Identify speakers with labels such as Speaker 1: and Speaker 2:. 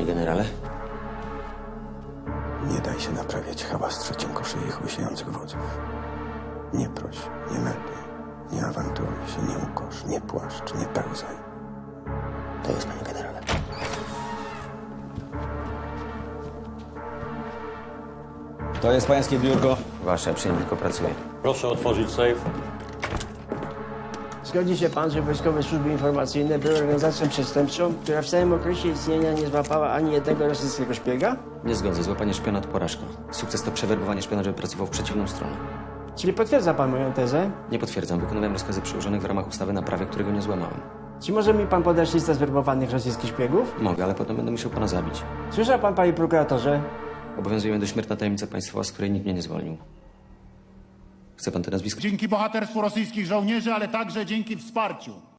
Speaker 1: panie generale?
Speaker 2: Nie daj się naprawiać hałastrzy cienkoszyi łysiejących wodzów. Nie proś, nie melduj, nie awanturuj się, nie ukosz, nie płaszcz, nie pełzaj.
Speaker 1: To jest, panie generale.
Speaker 3: To jest pańskie biurko.
Speaker 1: Wasze, przy nim tylko pracuję.
Speaker 4: Proszę otworzyć sejf.
Speaker 5: Zgodzi się pan, że Wojskowe Służby Informacyjne były organizacją przestępczą, która w całym okresie istnienia nie złapała ani jednego rosyjskiego szpiega?
Speaker 1: Nie zgodzę. Złapanie szpiona to porażka. Sukces to przewerbowanie szpiona, żeby pracował w przeciwną stronę.
Speaker 5: Czyli potwierdza pan moją tezę?
Speaker 1: Nie potwierdzam. Wykonywałem rozkazy przełożonych w ramach ustawy na prawie, którego nie złamałem.
Speaker 5: Czy może mi pan podać listę zwerbowanych rosyjskich szpiegów?
Speaker 1: Mogę, ale potem będę musiał pana zabić.
Speaker 5: Słyszał pan, panie prokuratorze?
Speaker 1: Obowiązuje mnie dośmiertna tajemnica państwowa, z której nikt mnie nie zwolnił. Chce pan te nazwiska?
Speaker 6: Dzięki bohaterstwu rosyjskich żołnierzy, ale także dzięki wsparciu